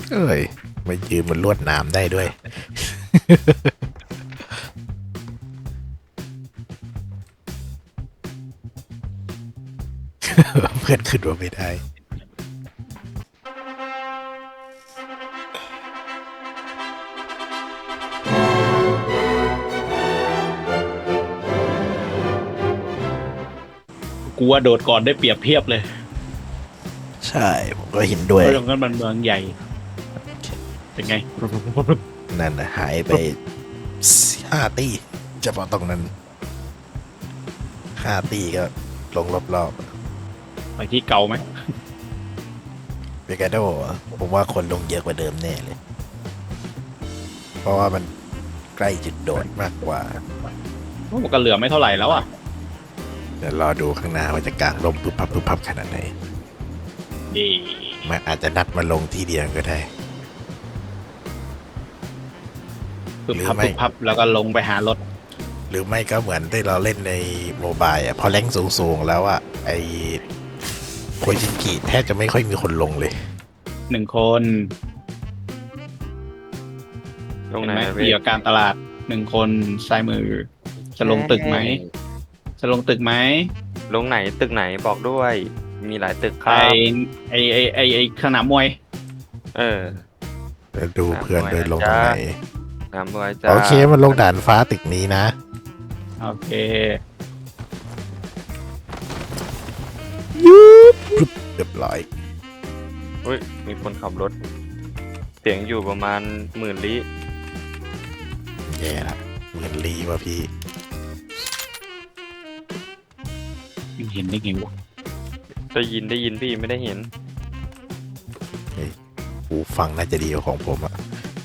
เอ้ยมายืนบนลวดหนามได้ด้วย เพื่อนขึ้นว่าไม่ได้กูว่าโดดก่อนได้เปรียบเทียบเลยใช่ผมก็เห็นด้วยเพราะตรงนั้นมันเมืองใหญ่เป็นไงนั่นนะหายไป5 ตีเฉพาะตรงนั้น5 ตีก็ลงรอบไปที่เก่าไหมๆเบกาโดผมว่าคนลงเยอะกว่าเดิมแน่เลย เพราะว่ามันใกล้จุดโดดมากกว่ามันก็เหลือไม่เท่าไหร่แล้วอ่ะเดี๋ยวรอดูข้างหน้าว่าจะกางลมปุ๊บพับขนาดไหนดีมันอาจจะนัดมาลงที่เดียวก็ได้ปึ๊บหรือพับไม่ปึ๊บพับแล้วก็ลงไปหารถหรือไม่ก็เหมือนที่เราเล่นในโมบายอ่ะพอแรงสูงๆแล้วอ่ะไอโคจิกิแทบจะไม่ค่อยมีคนลงเลย 1 คนตรงเห็นไหนไหมพี่เกี่ยวกับการตลาด1 คนซ้ายมือ จะลงตึกไหมจะลงตึกไหมลงไหนตึกไหนบอกด้วย มีหลายตึกคไอรับไอสนามมวยเออแล้วดูเพื่อนเดินลงตรงไหนน้ำด้วยจ้าโอเคมันลงด่านฟ้าตึกนี้นะโอเคเรียบร้อยอุ้ยมีคนขับรถ เสียงอยู่ประมาณ10,000 ลิแย่ละเหมือนลีว่ะพี่เห็นได้ไงวะได้ยินพี่ไม่ได้เห็นหูฟังน่าจะดีกว่าของผมอะ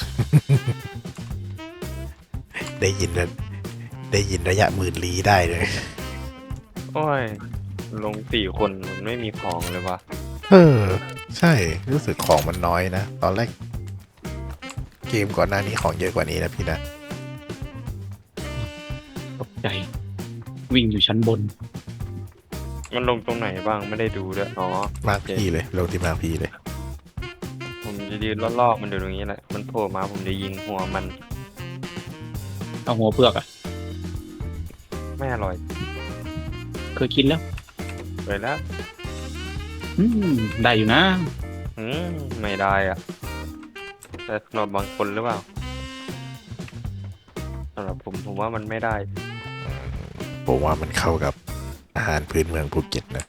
ได้ยินนะได้ยินระยะ10,000 ลี้ได้เลยโอ้ย ลง4 คนมันไม่มีของเลยวะเออ ใช่รู้สึกของมันน้อยนะ ตอนแรก เกมก่อนหน้านี้ของเยอะกว่านี้นะพี่นะตกใจ วิ่งอยู่ชั้นบนมันลงตรงไหนบ้างไม่ได้ดูด้วยอ๋อมากพี่เลยลงที่มากพี่เลยผมจะยืนรอบๆมันอยู่ตรงนี้แหละ มันโผล่มาผมจะยิงหัวมันเอาหัวเผือกอ่ะไม่อร่อยเคยกินแล้วไปแล้วได้อยู่นะไม่ได้อ่ะ แต่สำหรับบางคนหรือเปล่าสำหรับผมว่ามันไม่ได้ผมว่ามันเข้ากับอาหารพื้นเมืองภูเก็ตนะ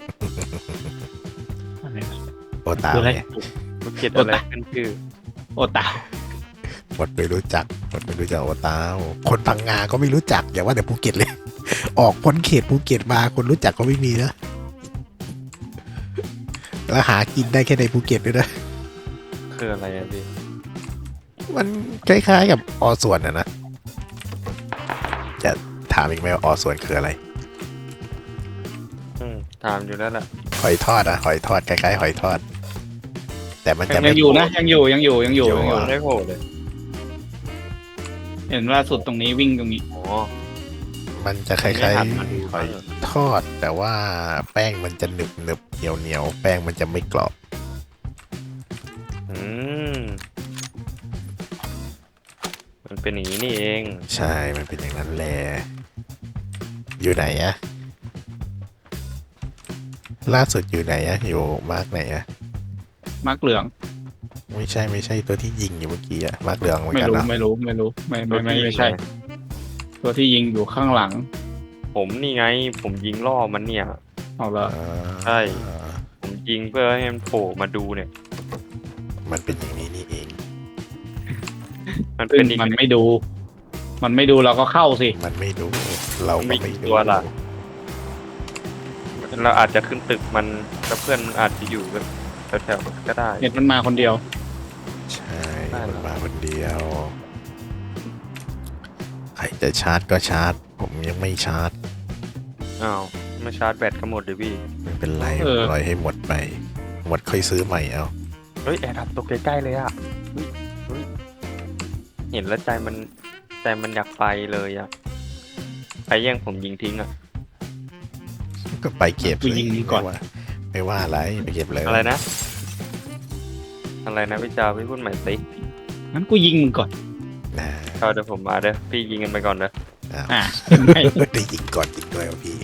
อะไรนะโอตาคืออะไรเนี่ยภูเก็ตอะไรขึ้นชื่อโอตาหมดไม่รู้จักโอตาคนพังงาก็ไม่รู้จักอย่าว่าแต่ภูเก็ตเลย ออกพ้นเขตภูเก็ตมาคนรู้จักก็ไม่มีนะ แล้วหากินได้แค่ในภูเก็ตด้วยนะคืออะไรอะพี่มันคล้ายๆกับอส่วนนะ จะถามอีกไหมว่าอส่วนคืออะไรถามอยู่แล้วแหละหอยทอดอะหอยทอดคล้ายๆหอยทอด แต่มันจะยัไม่งอยู่นะยังอยู่อยู่ไม่ได้โผล่เลยเห็นล่าสุดตรงนี้วิ่งตรงนี้อ๋อมันจะคไม่ล้ายทันมาดูๆหอยทอด แต่ว่าแป้งมันจะหนึบหนึบเหนียวเหนียวแป้งมันจะไม่กรอบอืมมันเป็นอย่างนี้นี่เองใช่ มันเป็นอย่างนั้นแหละ อยู่ไหนอะล่าสุดอยู่ไหนอะอยู่มาร์กไหนอะมาร์กเหลืองไม่ใช่ตัวที่ยิงอยู่เมื่อกี้อะมาร์กเหลืองเหมือนไม่กันรู้นะไม่รู้ไม่ใช่ ตัวที่ยิงอยู่ข้างหลังผมนี่ไง ผมยิงล่อมันเนี่ยเอาละใช่ ผมยิงเพื่อให้มันโผล่มาดูเนี่ยมันเป็นอย่างนี้นี่เองมันซึ่เป็งนอีกมันไม่ดู มันไม่ดูเราก็เข้าสิมันไม่ดูเราก็ไม่ดูตัวล่ะ เราอาจจะขึ้นตึกมันแล้วเพื่อนมันอาจจะอยู่แถวๆก็ได้เน็ตมันมาคนเดียวใช่ได้เหรอมันมาคนเดียว ใครจะชาร์จก็ชาร์จ ผมยังไม่ชาร์จอ้าวไม่ชาร์จแบตก็หมดเลยพี่ไม่เป็นไรเออปล่อยให้หมดไป หมดค่อยซื้อใหม่เอาเฮ้ยแอร์ดับตกใกล้ๆเลยอ่ะเฮ้ยเห็นแล้วใจมันอยากไปเลยอ่ะใครแย่งผมยิงทิ้งอ่ะก็ไปเก็บกูยิงก่อนไม่ว่าอะไรไปเก็บเลยอะไรนะอะไรนะพี่จาพี่พูดใหม่สิงั้นกูยิงมึงก่อนนะเอาเดี๋ยวผมมาเด้อพี่ยิงกันไปก่อนเด้ออ่ะไม่ได้ยิงก่อนยิงด้วยวะพี่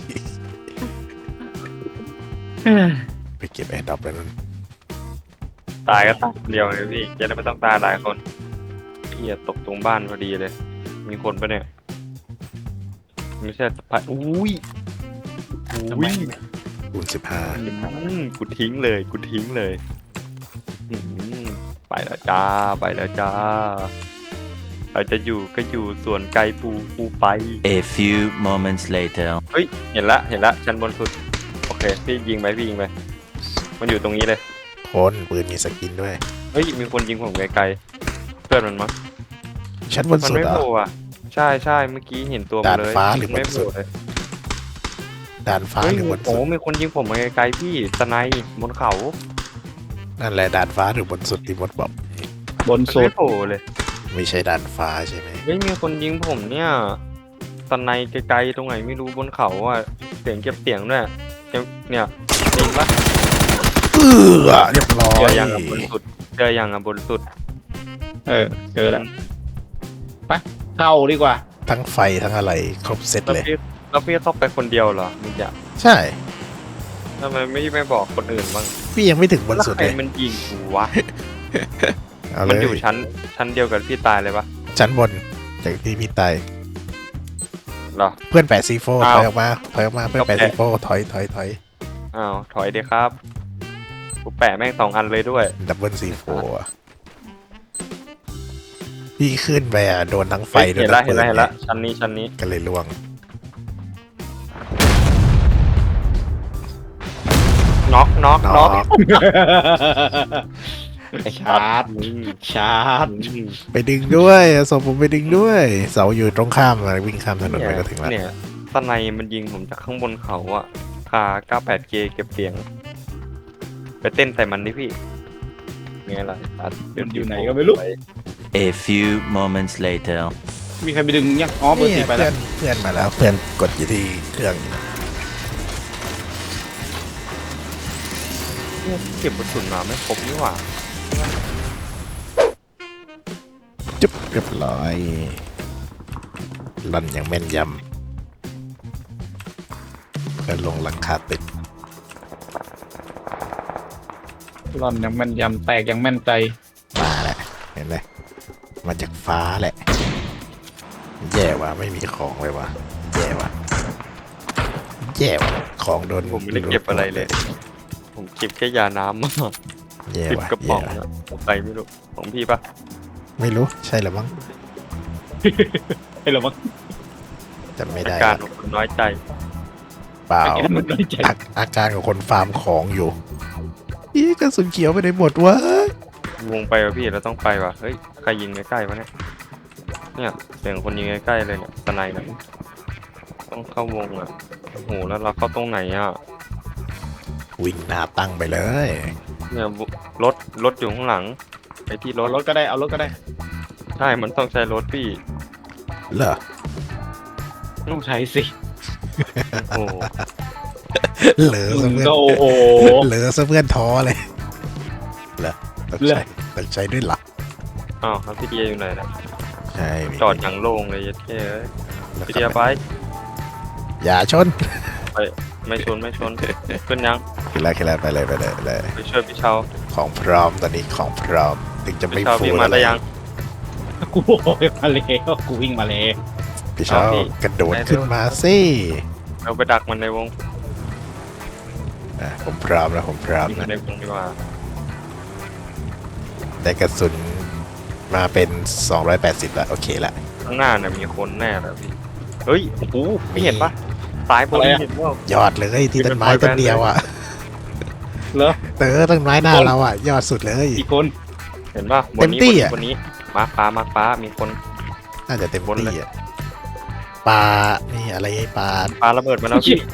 ไปเก็บแอร์ดรอปแล้วนั่นตายก็ตายคนเดียวเลยพี่จะได้ไม่ต้องตายหลายคนพี่ตกตรงบ้านพอดีเลย มีคนปะเนี่ยไม่ใช่สะพายอุ้ยทำไมคูณ15 กูทิ้งเลยกูทิ้งเลยอืมไปแล้วจ้าไปแล้วจ้าใครจะอยู่ก็อยู่ส่วนไกลปูไป A few moments later. เฮ้ยเห็นละชั้นบนสุดโอเคพี่ยิงไปมันอยู่ตรงนี้เลยคนปืนมีสกินด้วยเฮ้ยมีคนยิงผมไกลๆเพื่อนมันมั้งชั้นบนมันสุดไม่เหรโผอ่ะล่อะใช่เมื่อกี้เห็นตัวมันเลยดาดฟ้าหรือไม่บนสุโผดล่เลยด่านฟ้าเฮ้ยหรือบนโอ้สุดมีคนยิงผมมาไกลๆพี่สไนป์บนเขานั่นแหละด่านฟ้าหรือบนสุดที่มดบอกบนมันสุดไม่โผล่เลยไม่ใช่ด่านฟ้าใช่ไหมเฮ้ยมีคนยิงผมเนี่ยสไนป์ไกลๆตรงไหนไม่รู้บนเขาอ่ะเสียงเก็บเสียงด้วยเนี่ยจริงปะเรียบร้อเจยอยังอ่ะบนสุดบนสุดเออเจอแล้วไปเข้าดีกว่าทั้งไฟทั้งอะไรครบเซตแล้วเลยพี่ต้องไปคนเดียวเหรอมึงจะใช่ทำไมไม่บอกคนอื่นบ้างพี่ยังไม่ถึงบนแล้วสุดใครเลยมันยิงกูวะเอาเลมันยอยู่ชั้นเดียวกับพี่ตายเลยปะชั้นบนจากที่พี่ตายเหรอเพื่อนแปะซีโฟถอ้าวอยออกมาเพื่อนแปะก็แปะซีโฟถอยอ้าวถอยเดียครับกูแปะแม่ง2 อันเลยด้วยดับเบิลซีโฟพี่ขึ้นไปอ่ะโดนทั้งไฟโดนเห็นทั้ละงเห็ปืนนละเห็นละเนี่ยชั้นนี้ก็เลยล่วงน็อกน็อกชาร์จชาร์จไปดึงด้วยส่งผมไปดึงด้วย เสาอยู่ตรงข้ามอะวิ่งข้ามถนนไปก็ถึงแล้วเนี่ยสไนมันยิงผมจากข้างบนเขาอะคา 98K เก็บเสียง ไปเต้นใส่มันดิพี่ไงล่ะอยู่ไหนก็ไม่รู้ A few moments later. มีใครไปดึงยังอ๋อเบอร์นี่สี่ไปเพื่แล้อวนเพื่อนมาแล้วเพื่อนกดอยู่ที่เครื่องอยู่เก็บกระสุนมาไม่ครบนี่หว่าจุ๊บเรียบร้อยลั่นอย่างแม่นยำก็ลงหลังคาตึกร่อนยังแม่นยำแตกยังแม่นใจมาแหละเห็นไหมมาจากฟ้าแหละ แย่ว่ะไม่มีของเลยว่ะแย่ว่ะของโดนผมไม่ได้เก็บอะไรเลย ผมเก็บแค่ยาน้ำมาแย่ 10 ว่ะกระป๋แย่องว่ะอะของใครไม่รู้ของพี่ปะไม่รู้ใช่หรือมั้งให้เรามาจำไม่อาได้การละของคนน้อยใจเปล่าเก็บมันน้อยใจอาการของคนฟาร์มของอยู่อีกระสุนเขียวไปไหนหมดวะวงไปวะพี่เราต้องไปวะเฮ้ยใครยิงใกล้ๆวะเนี่ยเสียงคนยิงใกล้ๆเลยเนี่ยสไนด์เนี่ยต้องเข้าวงอ่ะโอ้โหแล้วเราเข้าตรงไหนอ่ะวิ่งหน้าตั้งไปเลยเนี่ยรถอยู่ข้างหลังไปที่รเอาถรถก็ได้เอารถก็ได้ใช่มันต้องใช้รถพี่เหรอต้องใช้สิโอ้โหเหลือซะเพื่อนก็โอ้โหเหลือซะเพื่อนท้อเลยเหรอต้องใช้ด้วยหลักอ้าวครับพี่เดียอยู่ไหนนะใช่มีจอดอย่างโล่งเลยยัดแค่เอ้ยแล้วพี่ก็เดียไปอย่าชนไม่ชนขึ้นยังขึ้นแล้วไปเลยไปช่วยพี่เชาของพร้อมตอนนี้ของพร้อมถึงจะไม่พี่เชาฟูพี่มาได้ยังกูโอ้ยมาแล้วกูวิ่งมาแล้วพี่เช้าเอาพี่กระโดดได้ขึ้นมาสิเราไปดักมันในวงผมพร้อมแล้วผมพร้อมยิงมันนะในวงดีกว่าได้กระสุนมาเป็น 280ละโอเคละข้างหน้าเนี่ยมีคนแน่เลยพี่เฮ้ยโอ้โหไม่เห็นปะซ้ายบนเห็นว่ายอดเลยที่ต้นไม้เป็นต้นเดียวอ่ะเหรอต้นไม้หน้าเราอ่ะ ยอดสุดเลยอีกคนเห็นปะบเต็นมนี้ที่อะบนนี้มาร์คฟ้ามีคนน่าจะเต็มบนเลยที่อ่ะปลานี่อะไรไอ้ปลาปาระเบิดมาแล้วพี่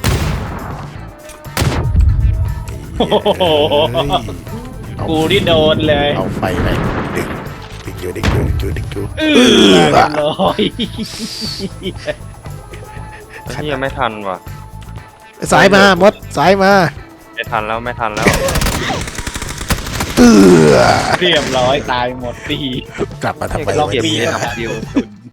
เอ้ยกูที่โดนเลยเอาไฟไปดึงอยู่เรียบร้อยที่ยังไม่ทันว่ะสายมามดสายมาไม่ทันแล้วเออเรียบร้อยตายหมดตีกลับมาทำไมลองวะเก็บเนี่ยเดียว